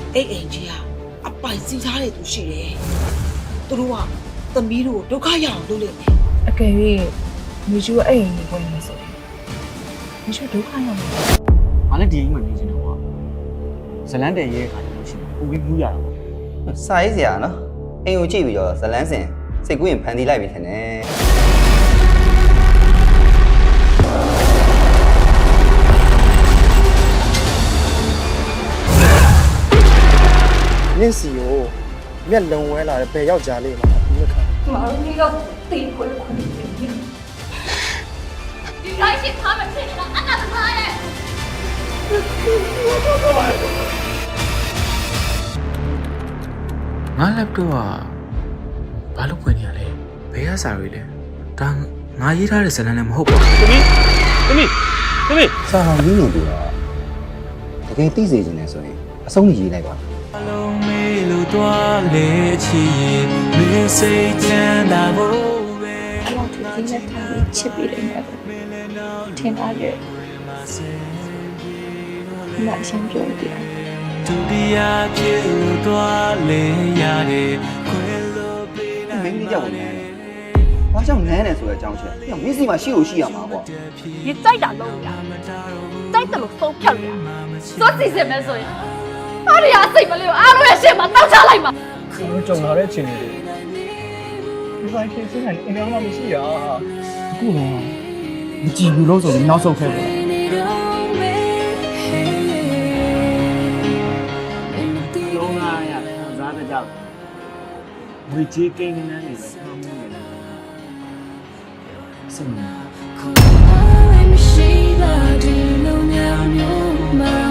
အိမ်ကြီးကအပိုင်စီးထားတဲ့သူရှိတယ်သူတို့ကသမီးတို့ဒုက္ခရအောင်လုပ်လိမ့်မယ်အကယ်၍မိကျူအဲ့အိမ်ကိုဝင်နေဆိုမိကျူဒုက္ခရောက်နေတယ်ငါလည်းဒီအိမ်မှာနေချင်တယ်ကွာဇလန်းတယ်ရဲ့ခါကျလို့ရှိရင်ပူပြီးမူးရတာပေါ့စာရေးစရာနော်အိမ်ကိုကြည့်ပြီးတော့ဇလန်းစင်စိတ်ကူးရင်ဖန်တီးလိုက်ပြီထင်တယ်နင့်စီကိုမျက်လုံးဝဲလာတဲ့ဘယ်ယောက်ကြားလေးမှာဒီမခါ马上就要逮回来你来是他们骗你的，俺哪是他嘞？ ငါ laptop ကဘာလို့ဖွင့်နေရလဲဘယ်ရစာတွေလဲဒါငါရေးထားတဲ့ဇာတ်လမ်းလည်းမဟုတ်ပါဘူးသမီးစာဟောင်းရင်းနေပြီတော့တကယ်သိစေချင်တယ်ဆိုရင်အဆုံးကြီးရေးလိုက်ပါအလုံးမေးလို့တွားလေချီရင်မင်းစိတ်ချမ်းသာဖို့ပဲအဲ့တော့ဒီလက်ထားပြီးချစ်ပြီးတယ်နဲ့ထင်ထားတယ်မအရှင်းပြောတယ်ဒုတိယပြေလို့တွားလေရတယ်ခွဲလို့ပေးမင်းကြီးကြောက်နေတယ်။ဘာကြောင့်နန်းနေဆိုတဲ့အကြောင်းချက်။မင်းစီမှာရှိလို့ရှိရမှာပေါ့你再打漏呀，再怎么疯漂亮，说自己什么所以，阿里亚谁没有，阿鲁也谁嘛，倒下来嘛。 ကျွန်တော်ကြုံလာတဲ့အချိန်တွေဒီဘိုင်းခေတ်စတဲ့အင်္ဂါမှမရှိရအခုတော့မကြည့်ဘူးလို့ဆိုပြီးနောက်ဆုံးခဲ့ပါလုံးလာရခံစားကြကြောက်ဝေကြီးကိန်းနန်းနေပဲထားမှုနေတယ်စင်